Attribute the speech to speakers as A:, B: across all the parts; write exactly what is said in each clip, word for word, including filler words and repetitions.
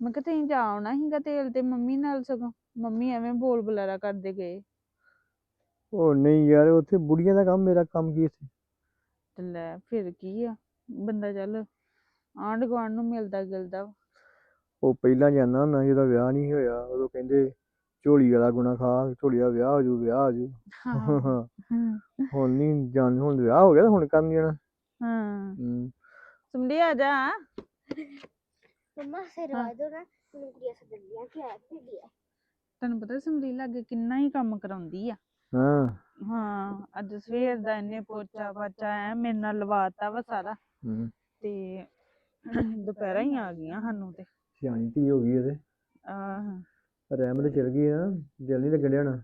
A: ਮੈਂ ਕਿਹਾ ਤੁਸੀਂ ਜਾ ਆਉਣਾ ਸੀਗਾ ਤੇਲ ਤੇ ਮੰਮੀ ਨਾਲ, ਸਗੋਂ ਮੰਮੀ ਐਵੇਂ ਬੋਲ ਬੁਲਾਰਾ ਕਰਦੇ ਗਏ।
B: ਉਹ ਨਹੀਂ ਯਾਰ, ਉੱਥੇ ਬੁੜੀਆਂ ਦਾ ਕੰਮ, ਮੇਰਾ ਕੰਮ ਕੀ ਇੱਥੇ।
A: ਤੇ ਲੈ ਫਿਰ ਕੀ ਆ, ਬੰਦਾ ਚੱਲ ਆਂਢ ਗੁਆਂਢ ਨੂੰ ਮਿਲਦਾ ਗਿਲਦਾ ਵਾ।
B: ਉਹ ਪਹਿਲਾਂ ਜਾਂਦਾ ਹੁੰਦਾ ਜਦੋਂ ਵਿਆਹ ਨਹੀਂ ਹੋਇਆ, ਉਦੋਂ ਕਹਿੰਦੇ ਝੋਲੀ ਵਾਲਾ ਗੁਣਾ ਖਾ, ਝੋਲੀ ਦਾ ਵਿਆਹ ਹੋ ਜੂ, ਵਿਆਹ ਹੋ ਜੂ। ਹੁਣ ਨਹੀਂ ਜਾਣ, ਹੁਣ ਵਿਆਹ ਹੋ ਗਿਆ, ਹੁਣ ਕਰਨ ਜਾਣਾ।
A: ਹਾਂ
B: ਹੂੰ
A: ਸੁਣਦੀ ਆ ਜਾ
C: ਮੰਮਾ ਸਿਰਵਾ ਦੋ ਨਾ, ਮੈਨੂੰ ਕੁੜੀਆਂ ਸੱਦਣੀਆਂ ਕਿ ਆ ਕੀ ਆ।
A: ਤੈਨੂੰ ਪਤਾ ਸਮਰੀ ਲਾਗੇ ਕਿੰਨਾ ਹੀ ਕੰਮ ਕਰਾਉਂਦੀ ਆ।
B: ਹਾਂ
A: ਹਾਂ ਅੱਜ ਸਵੇਰ ਦਾ ਇਹਨੇ ਪੋਚਾ ਪਾਚਾ ਐ ਮੇਰੇ ਨਾਲ ਲਵਾਤਾ ਵਾ ਸਾਰਾ,
B: ਹੂੰ
A: ਤੇ ਦੁਪਹਿਰਾਂ ਹੀ ਆ ਗਈਆਂ ਸਾਨੂੰ ਤੇ।
B: ਸਿਆਣੀ ਧੀ ਹੋ ਗਈ ਇਹਦੇ।
A: ਆਹ
B: ਰਹਿਮ ਤੇ ਚਲ ਗਈ ਨਾ, ਦਿਲ ਨਹੀਂ ਲੱਗਣ ਡਿਆ ਹੋਣਾ।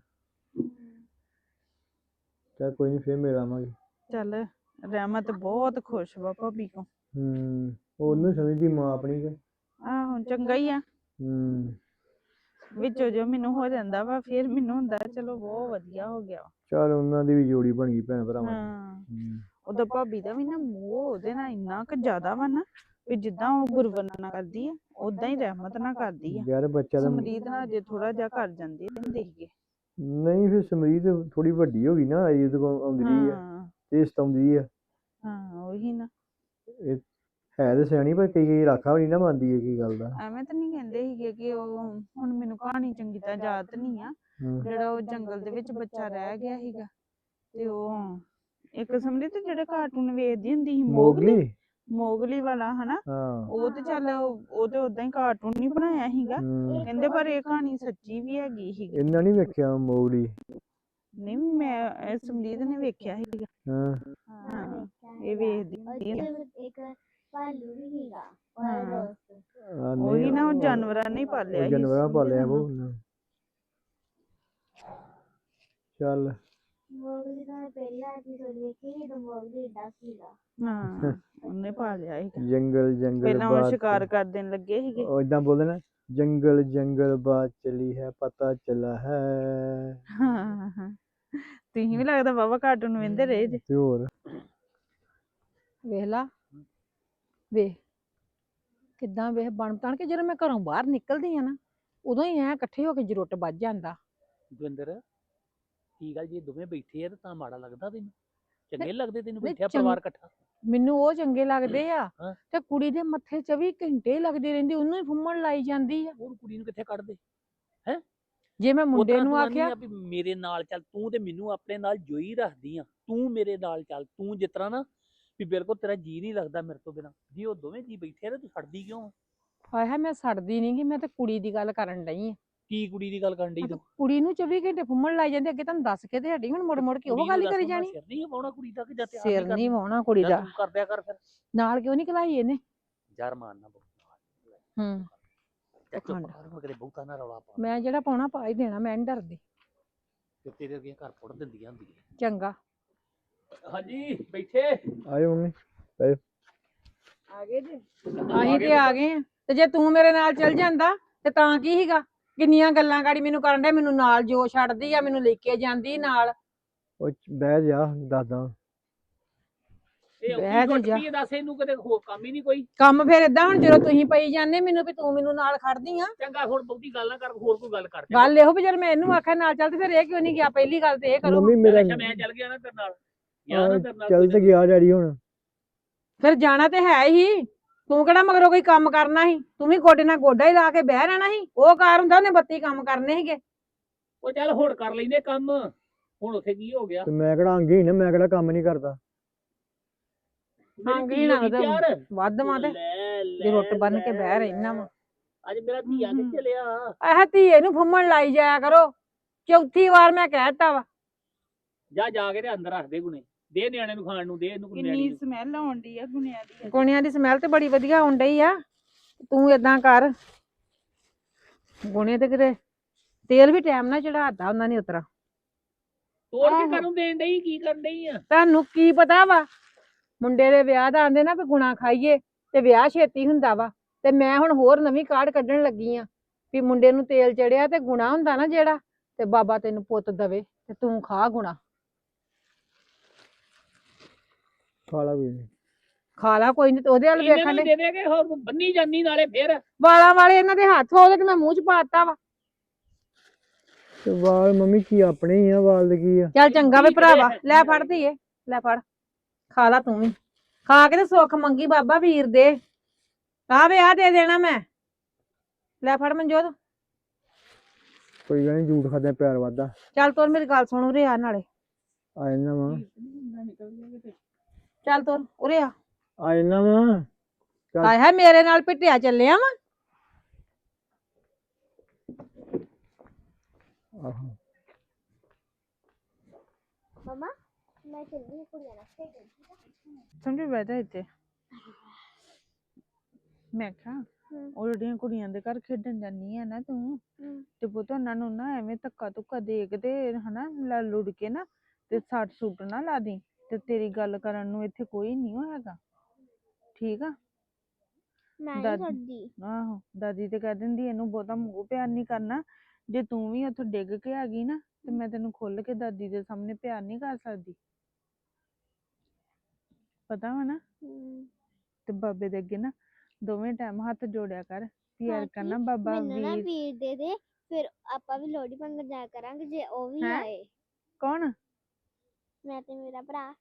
B: ਚੱਲ ਕੋਈ ਨਹੀਂ, ਫੇਰ ਮਿਲ ਆਵਾਂਗੇ।
A: ਚੱਲ ਰਹਿਮਤ ਬਹੁਤ ਖੁਸ਼ ਵਾ ਭਾਬੀ ਕੋ।
B: ਹੂੰ ਉਹਨੂੰ ਸਮਝਦੀ ਮਾਂ ਆਪਣੀ ਕੇ।
A: ਆਹੋ ਚੰਗਾ ਹੀ ਆ,
B: ਹੂੰ
A: ਵਿੱਚੋਂ ਜੋ ਮੈਨੂੰ ਹੋ ਜਾਂਦਾ ਵਾ ਫਿਰ ਮੈਨੂੰ ਹੁੰਦਾ ਚਲੋ ਬਹੁਤ ਵਧੀਆ ਹੋ ਗਿਆ ਵਾ।
B: ਚੱਲ ਉਹਨਾਂ ਦੀ ਵੀ ਜੋੜੀ ਬਣ ਗਈ ਭੈਣ ਭਰਾਵਾਂ ਦੀ।
A: ਹਾਂ
B: ਹੂੰ
A: ਉਹਦਾ ਭਾਬੀ ਦਾ ਵੀ ਨਾ ਮੋਹ ਉਹਦੇ ਨਾਲ ਇੰਨਾ ਕੁ ਜ਼ਿਆਦਾ ਵਾ ਨਾ, ਵੀ ਜਿੱਦਾਂ ਉਹ ਗੁਰਵਰਨ ਨਾਲ ਕਰਦੀ ਆ ਓਦਾਂ ਹੀ ਰਹਿਮਤ ਨਾਲ ਕਰਦੀ ਆ।
B: ਯਾਰ ਬੱਚਾ ਤਾਂ
A: ਸਮਰੀਤ ਨਾਲ ਜੇ ਥੋੜਾ ਜਿਹਾ ਕਰ ਜਾਂਦੀ ਹੁੰਦੇ ਸੀਗੇ।
B: ਨਹੀਂ, ਫਿਰ ਸਮਰੀਤ ਥੋੜੀ ਵੱਡੀ ਹੋ ਗਈ ਨਾ, ਅਜੇ ਉਹਦੇ ਕੋਲ ਆਉਂਦੀ ਰਹੀ ਆ
A: ਹਾਂ
B: ਤੇ ਸਤਾਉਂਦੀ ਆ।
A: ਹਾਂ ਉਹੀ ਨਾ,
B: ਇਹ ਹੈ ਤੇ ਸਿਆਣੀ, ਪਰ ਕਈ ਕਈ ਰਾਖਾ ਵੀ ਨਹੀਂ ਨਾ ਮੰਨਦੀ ਹੈ ਕੀ ਗੱਲ ਦਾ।
A: ਐਵੇਂ ਤਾਂ ਨਹੀਂ ਕਹਿੰਦੇ ਸੀਗੇ ਕਿ ਉਹ, ਹੁਣ ਮੈਨੂੰ ਕਹਾਣੀ ਚੰਗੀ ਤਰ੍ਹਾਂ ਯਾਦ ਨਹੀਂ ਆ,
B: ਹੂੰ
A: ਜਿਹੜਾ ਉਹ ਜੰਗਲ ਦੇ ਵਿੱਚ ਬੱਚਾ ਰਹਿ ਗਿਆ ਸੀਗਾ ਤੇ ਉਹ ਇੱਕ ਸਮਰੀਤ ਜਿਹੜੇ ਕਾਰਟੂਨ ਵੇਖਦੀ ਹੁੰਦੀ ਸੀ ਮੋਗਲੀ,
B: ਮੋਗਲੀ।
A: ਮੋਗਲੀ ਵਾਲਾ ਹਨਾ,
B: ਹਾਂ
A: ਉਹ ਤੇ ਚੱਲ ਉਹ ਤੇ ਓਦਾਂ ਹੀ ਕਾਰਟੂਨ ਨਹੀਂ ਬਣਾਇਆ ਸੀਗਾ
B: ਹੂੰ
A: ਕਹਿੰਦੇ, ਪਰ ਇਹ ਕਹਾਣੀ ਸੱਚੀ ਵੀ ਹੈਗੀ ਸੀਗੀ।
B: ਇਹਨਾਂ ਨਹੀਂ ਵੇਖਿਆ ਮੋਗਲੀ।
A: ਨਹੀਂ ਮੈਂ ਇਹ ਸਮਰੀਤ ਨੇ ਵੇਖਿਆ ਸੀਗਾ।
B: ਹਾਂ
A: ਹਾਂ ਇਹ ਵੇਖਦੀ ਹੁੰਦੀ ਆ।
C: ਇੱਕ ਭਾਲੂ ਵੀ ਸੀਗਾ
A: ਹਾਂ
C: ਉਹਦਾ ਦੋਸਤ।
B: ਆ
A: ਉਹੀ
B: ਨਹੀਂ,
A: ਨਾ ਉਹ ਜਾਨਵਰਾਂ ਨੇ ਹੀ
B: ਉਹ
A: ਪਾਲਿਆ ਸੀ।
B: ਜਾਨਵਰਾਂ ਪਾਲਿਆ
A: ਸਮਝੇ
B: ਉਹ।
A: ਤੈਨੂੰ?
B: ਚੱਲ
C: ਮੋਗਲੀ ਦਾ ਪਹਿਲਾ ਐਪੀਸੋਡ ਵੇਖੀ ਜਦੋਂ ਮੋਗਲੀ ਏਡਾ ਸੀਗਾ।
A: ਹਾਂ ਉਹਨੇ ਪਾਲਿਆ ਸੀਗਾ।
B: ਜੰਗਲ ਜੰਗਲ
A: ਪਹਿਲਾਂ ਉਹ
B: ਬਾਤ,
A: ਸ਼ਿਕਾਰ ਕਰ ਦੇਣ ਲੱਗੇ ਸੀਗੇ।
B: ਉਹ ਏਦਾਂ ਬੋਲਦੇ ਨਾ, ਜੰਗਲ ਜੰਗਲ ਬਾਤ ਚਲੀ ਹੈ, ਪਤਾ ਚਲਾ ਹੈ।
A: ਹਾਂ ਹਾਂ ਤੁਸੀਂ ਵੀ ਲੱਗਦਾ ਬਾਬਾ ਕਾਰਟੂਨ ਵੇਂਦੇ ਰਹੇ ਜੇ।
B: ਤੇ ਹੋਰ
D: ਵੇਖ ਲਾ, ਵੇਖ ਕਿੱਦਾਂ ਵੇਖ ਬਣ ਤਣ ਕੇ ਜਦੋਂ ਮੈਂ ਘਰੋਂ ਬਾਹਰ ਨਿਕਲਦੀ ਆ ਨਾ, ਉਦੋਂ ਹੀ ਐ ਇਕੱਠੇ ਹੋ ਕੇ ਜਰੁੱਟ ਵੱਜ ਜਾਂਦਾ।
E: ਦਵਿੰਦਰ ਕੀ ਗੱਲ, ਜੇ ਦੋਵੇਂ ਬੈਠੇ ਆ ਤਾਂ ਤਾਂ ਮਾੜਾ ਲੱਗਦਾ ਤੈਨੂੰ? ਚੰਗੇ ਲੱਗਦੇ ਤੈਨੂੰ
D: ਨਹੀਂ,
E: ਬੈਠਿਆ
D: ਚੰਗ-
E: ਪਰਿਵਾਰ ਇਕੱਠਾ?
D: ਮੈਨੂੰ ਉਹ ਚੰਗੇ ਲੱਗਦੇ ਆ,
E: ਹਾਂ।
D: ਤੇ ਕੁੜੀ ਦੇ ਮੱਥੇ ਚੌਵੀ ਘੰਟੇ ਲੱਗਦੀ ਰਹਿੰਦੀ, ਉਹਨੂੰ ਹੀ ਫੁੰਮਣ ਲਾਈ ਜਾਂਦੀ ਆ।
E: ਹੋਰ ਕੁੜੀ ਨੂੰ ਕਿੱਥੇ ਕੱਢਦੇ?
D: ਜੇ ਮੈਂ ਮੁੰਡੇ
E: ਉਤਰਾਂ
D: ਨੂੰ
E: ਤੂੰ ਆਖਿਆ
D: ਆਖਿਆ
E: ਵੀ ਮੇਰੇ ਨਾਲ ਚੱਲ, ਤੂੰ ਤੇ ਮੈਨੂੰ ਆਪਣੇ ਨਾਲ ਜੋਈ ਰੱਖਦੀ ਆ, ਤੂੰ ਮੇਰੇ ਨਾਲ ਚੱਲ, ਤੂੰ ਜਿਸ ਤਰ੍ਹਾਂ ਨਾ ਵੀ ਬਿਲਕੁਲ ਤੇਰਾ ਜੀ ਨਹੀਂ ਲੱਗਦਾ ਮੇਰੇ ਤੋਂ ਬਿਨਾਂ, ਜੇ ਉਹ ਦੋਵੇਂ ਜੀ ਬੈਠੇ ਆ ਤਾਂ ਤੂੰ ਛੱਡਦੀ ਕਿਉਂ ਆ?
D: ਹਾਏ ਹਾਏ ਮੈਂ ਸੜਦੀ ਨੀ ਗੀ, ਮੈਂ ਤੇ ਕੁੜੀ ਦੀ ਗੱਲ ਕਰਨ ਡਈ ਆ।
E: ਕੀ ਕੁੜੀ ਦੀ ਗੱਲ ਕਰਨ ਡਈ ਤੂੰ?
D: ਕੁੜੀ ਨੂੰ ਚੌਵੀ ਘੰਟੇ ਫੁੰਮਣ ਲਾਈ ਜਾਂਦੇ, ਅੱਗੇ ਤੁਹਾਨੂੰ ਦੱਸ ਕੇ ਤੇ ਹਟੀ, ਹੁਣ ਮੁੜ ਮੁੜ ਕੇ ਉਹ ਗੱਲ ਹੀ ਕਰੀ ਜਾਣੀ।
E: ਸਿਰ ਨਹੀਂ ਪਾਉਣਾ ਕੁੜੀ ਦਾ ਕਿ ਜਾਂ ਤੇ ਆਪ
D: ਸਿਰ
E: ਹੀ
D: ਨਹੀਂ
E: ਕਰਨਾ?
D: ਵਾਹੁਣਾ ਕੁੜੀ
E: ਜਾਂ
D: ਦਾ,
E: ਤੂੰ ਕਰਦਿਆ ਕਰ ਫਿਰ।
D: ਨਾਲ ਕਿਉਂ ਨਹੀਂ ਕਲਾਈ ਇਹਨੇ।
E: ਯਾਰ ਮਾਰਨਾ ਬਹੁਤ
D: ਹੂੰ
E: ਚੁੱਪ
D: ਪਖੰਡ।
E: ਕਰ, ਹੁਣ ਕਿਤੇ ਬਹੁਤਾ ਨਾ ਰੌਲਾ ਪਾ,
D: ਮੈਂ ਜਿਹੜਾ ਪਾਉਣਾ ਪਾ ਹੀ ਦੇਣਾ, ਮੈਂ ਨੀ ਡਰਦੀ।
E: ਤੇ ਤੇਰੇ ਅੱਗੇ ਘਰ ਪੁੱਟ ਦਿੰਦੀਆਂ ਹੁੰਦੀਆਂ।
D: ਚੰਗਾ
E: ਹਾਂਜੀ ਬੈਠੇ
B: ਆਇਓ ਮੰਮੀ।
A: ਆ ਗਏ ਜੀ।
D: ਅਸੀਂ ਤੇ ਆ ਗਏ ਆ, ਤੇ ਜੇ ਤੂੰ ਮੇਰੇ ਨਾਲ ਚੱਲ ਜਾਂਦਾ ਤੇ ਤਾਂ ਕੀ ਸੀਗਾ? ਕਿੰਨੀਆਂ ਗੱਲਾਂ ਗਾੜੀ ਮੈਨੂੰ ਕਰਨ ਦੇ, ਮੈਨੂੰ ਨਾਲ ਜੋ ਛੱਡਦੀ ਆ, ਮੈਨੂੰ ਲੈ ਕੇ ਜਾਂਦੀ ਨਾਲ।
B: ਉਹ ਬਹਿ ਜਾ, ਦੱਸਦਾ।
E: ਇਹ
D: ਬਹਿ
E: ਕੀ
D: ਤੇ
E: ਟੁੱਟ
D: ਜਾ।
E: ਪਈ ਆ, ਦੱਸ ਇਹਨੂੰ ਕਿਤੇ ਹੋਰ ਕੰਮ ਹੀ ਨਹੀਂ ਕੋਈ?
D: ਕੰਮ ਫਿਰ ਏਦਾਂ, ਹੁਣ ਜਦੋਂ ਤੁਸੀਂ ਪਈ ਜਾਂਦੇ ਮੈਨੂੰ ਵੀ ਤੂੰ ਮੈਨੂੰ ਨਾਲ ਖੜਦੀ ਆ।
E: ਚੰਗਾ ਹੁਣ ਬਹੁਤੀ ਗੱਲ ਨਾ ਕਰ, ਹੋਰ ਕੋਈ ਗੱਲ ਕਰ।
D: ਗੱਲ ਇਹੋ ਵੀ ਜਦ ਮੈਂ ਇਹਨੂੰ ਆਖਿਆ ਨਾਲ ਚੱਲ, ਤੇ ਫਿਰ ਇਹ ਕਿਉਂ ਨਹੀਂ ਗਿਆ? ਪਹਿਲੀ ਗੱਲ ਤੇ ਇਹ ਕਰੋ।
B: ਮੰਮੀ ਮੇਰਾ
E: ਅੱਛਾ ਮੈਂ ਚੱਲ ਗਿਆ ਨਾ ਤੇਰੇ ਨਾਲ, ਗਿਆ ਨਾ ਤੇਰੇ ਨਾਲ
B: ਚੱਲ ਤੇ ਗਿਆ ਡੈਡੀ ਹੁਣ।
D: ਫਿਰ ਜਾਣਾ ਤੇ ਹੈ ਹੀ, ਤੂੰ ਕਿਹੜਾ ਮਗਰੋਂ ਕੋਈ ਕੰਮ ਕਰਨਾ ਸੀ? ਤੂੰ ਵੀ ਗੋਡੇ ਨਾਲ ਗੋਡਾ ਹੀ ਲਾ ਕੇ ਬਹਿ ਰਹਿਣਾ ਸੀ। ਉਹ ਕਾਰ ਹੁੰਦਾ ਉਹਨੇ ਬੱਤੀ ਕੰਮ ਕਰਨੇ ਸੀਗੇ।
E: ਉਹ ਚੱਲ ਹੁਣ ਕਰ ਲੈਂਦੇ ਕੰਮ, ਹੁਣ ਉੱਥੇ ਕੀ ਹੋ ਗਿਆ?
B: ਤੇ ਮੈਂ ਕਿਹੜਾ ਅੰਗੀ ਨਾ, ਮੈਂ ਕਿਹੜਾ ਕੰਮ ਨਹੀਂ ਕਰਦਾ।
E: ਮੇਰੀ
D: ਅੰਗ
E: ਧੀ
D: ਹੀ ਨਾ
E: ਹੋ ਗਈ
D: ਉਹਦਾ
E: ਤਿਆਰ?
D: ਵੱਧ ਮਾਂ ਤੇ
E: ਲੈ, ਲੈ,
D: ਜੇ ਰੁੱਟ ਬੰਨ ਕੇ
E: ਲੈ,
D: ਬਹਿ ਰਹਿਣਾ ਵਾ।
E: ਅੱਜ ਮੇਰਾ ਧੀਆ
D: ਹਮ।
E: ਕਿੱਥੇ ਲਿਆ?
D: ਆਹ ਧੀਏ ਨੂੰ ਫੁੰਮਣ ਲਾਈ ਜਾਇਆ ਕਰੋ। ਚੌਥੀ ਵਾਰ ਮੈਂ ਕਹਿਤਾ ਵਾ।
E: ਜਾ ਜਾ ਕੇ ਤੇ ਅੰਦਰ ਰੱਖ ਦੇ ਗੁਣੇ, ਦੇ ਨਿਆਣੇ ਨੂੰ ਖਾਣ ਨੂੰ, ਦੇ ਇਹਨੂੰ ਨਿਆਣੀ
A: ਕਿੰਨੀ
E: ਨੂੰ।
A: ਸਮੈਲ ਆਉਣ ਡਈ ਆ ਗੁਣਿਆਂ ਦੀ।
D: ਗੁਣਿਆਂ ਦੀ ਸਮੈਲ ਤੇ ਬੜੀ ਵਧੀਆ ਆਉਣ ਡਈ ਆ। ਤੂੰ ਏਦਾਂ ਕਰ, ਗੁਣੇ ਤੇ ਕਿਤੇ ਤੇਲ ਵੀ ਟਾਈਮ ਨਾਲ ਚੜਾਤਾ ਉਹਨਾਂ ਨੇ ਉਤਰਾ।
E: ਤੋੜ ਕੇ
D: ਆਹੋ।
E: ਕਰਨ ਦੇਣ ਡਈ, ਕੀ ਕਰਨ ਡਈ ਆ?
D: ਤੁਹਾਨੂੰ ਕੀ ਪਤਾ ਵਾ, ਮੁੰਡੇ ਦੇ ਵਿਆਹ ਦਾ ਆਂਦੇ ਨਾ ਵੀ ਗੁਣਾ ਖਾਈਏ ਤੇ ਵਿਆਹ ਛੇਤੀ ਹੁੰਦਾ ਵਾ। ਤੇ ਮੈਂ ਹੁਣ ਹੋਰ ਨਵੀਂ ਕਾਢ ਕੱਢਣ ਲੱਗੀ ਆ ਵੀ ਮੁੰਡੇ ਨੂੰ ਤੇਲ ਚੜਿਆ ਤੇ ਗੁਣਾ ਹੁੰਦਾ ਨਾ ਜਿਹੜਾ, ਤੇ ਬਾਬਾ ਤੈਨੂੰ ਪੁੱਤ ਦਵੇ ਤੇ ਤੂੰ ਖਾ ਗੁਣਾ।
B: ਖਾ ਲਾ ਕੋਈ ਨੀ।
D: ਖਾ ਲਾ ਕੋਈ ਨਹੀਂ, ਤੇ ਉਹਦੇ ਵੱਲ
E: ਇਹਨਾਂ
D: ਵੇਖਣ
E: ਨੂੰ
D: ਦੇ
E: ਦੇ ਦੇ ਕੇ ਹੋਰ ਬੰਨੀ ਜਾਂਦੀ ਨਾਲੇ ਫੇਰ।
D: ਵਾਲਾਂ ਵਾਲੇ ਇਹਨਾਂ ਦੇ ਹੱਥ ਉਹਦੇ ਤੇ ਮੈਂ ਮੂੰਹ ਚ ਪਾਤਾ ਵਾ।
B: ਤੇ ਵਾਲ ਮੰਮੀ ਕੀ ਆਪਣੇ ਹੀ ਆ, ਵਾਲ ਦੇ ਕੀ ਆ?
D: ਚੱਲ ਚੰਗਾ ਵੇ
E: ਠੀਕ
D: ਭਰਾਵਾ,
E: ਹੈ।
D: ਲੈ ਫੜ ਧੀਏ, ਲੈ ਫੜ ਖਾ ਲਾ ਤੂੰ ਵੀ, ਖਾ ਕੇ ਤੇ ਸੁੱਖ ਮੰਗੀ ਬਾਬਾ ਵੀਰ ਦੇ। ਆ ਵੇ ਆ ਦੇ ਦੇਣਾ ਮੈਂ, ਲੈ ਫੜ ਮਨਜੋਤ।
B: ਕੋਈ ਗੱਲ ਨੀ, ਝੂਠ ਖਾਦਿਆਂ ਪਿਆਰ ਵੱਧਦਾ।
D: ਚੱਲ ਤੋਰ ਮੇਰੀ ਗੱਲ ਸੁਣ, ਉਰੇ ਆ ਨਾਲੇ,
B: ਆ ਜਾਣਾ ਵਾ,
D: ਚੱਲ ਤੋਰ ਉਰੇ ਆ।
B: ਆ ਜਾਣਾ ਵਾ। ਚੱਲ।
D: ਹਾਏ ਹਾਏ ਮੇਰੇ ਨਾਲ ਪਿੱਟਿਆ ਚੱਲਿਆ ਵਾ।
B: ਆਹੋ
C: ਮਮਾ ਮੈਂ ਚੱਲੀ ਹਾਂ ਕੁੜੀਆਂ ਨਾਲ ਖੇਡਣ, ਠੀਕ ਆ?
A: ਸਮਝੀ ਬੈਠਾ ਇੱਥੇ। ਮੈਂ ਕਿਹਾ
C: ਹਮ।
A: ਉਹ ਜਿਹੜੀਆਂ ਕੁੜੀਆਂ ਦੇ ਘਰ ਖੇਡਣ ਜਾਂਦੀ ਆ ਨਾ ਤੂੰ,
C: ਹਮ।
A: ਤੇ ਪੁੱਤ ਉਹਨਾਂ ਨੂੰ ਨਾ ਐਵੇਂ ਧੱਕਾ ਧੁੱਕਾ ਦੇ ਕੇ ਤੇ ਹਨਾ ਲੜ ਲੁੜ ਕੇ ਨਾ ਤੇ ਸੱਟ ਸੁੱਟ ਨਾ ਲਾ ਦੀ। ਤੇ ਤੇਰੀ ਗੱਲ ਕਰਨ ਨੂੰ ਇੱਥੇ ਕੋਈ ਨਹੀਂ ਹੈਗਾ, ਠੀਕ ਆ?
C: ਮੈਂ ਨਹੀਂ
A: ਦਾਦੀ-
C: ਕਰਦੀ।
A: ਆਹੋ ਦਾਦੀ ਤੇ ਕਹਿ ਦਿੰਦੀ ਇਹਨੂੰ ਬਹੁਤਾ ਮੂੰਹ ਪਿਆਰ ਨਹੀਂ ਕਰਨਾ, ਜੇ ਤੂੰ ਵੀ ਉੱਥੋਂ ਡਿੱਗ ਕੇ ਆ ਗਈ ਨਾ ਤੇ ਮੈਂ ਤੈਨੂੰ ਖੁੱਲ ਕੇ ਦਾਦੀ ਦੇ ਸਾਹਮਣੇ ਪਿਆਰ ਨਹੀਂ ਕਰ ਸਕਦੀ, ਪਤਾ ਵਾ ਨਾ?
C: ਹਮ।
A: ਤੇ ਬਾਬੇ ਦੇ ਅੱਗੇ ਨਾ ਦੋਵੇਂ ਟਾਈਮ ਹੱਥ ਜੋੜਿਆ ਕਰ, ਪਿਆਰ
C: ਬਾਕੀ
A: ਕਰਨਾ ਬਾਬਾ
C: ਮੈਨੂੰ ਨਾ
A: ਵੀਰ।
C: ਵੀਰ ਦੇ ਦੇ, ਫਿਰ ਆਪਾਂ ਵੀ ਲੋਹੜੀ ਮੰਗਣ ਜਾਇਆ ਕਰਾਂਗੇ ਜੇ ਉਹ ਵੀ
A: ਹੈਂ?
C: ਆਏ।
A: ਕੌਣ?
C: ਮੈਂ ਤੇ ਮੇਰਾ ਭਰਾ।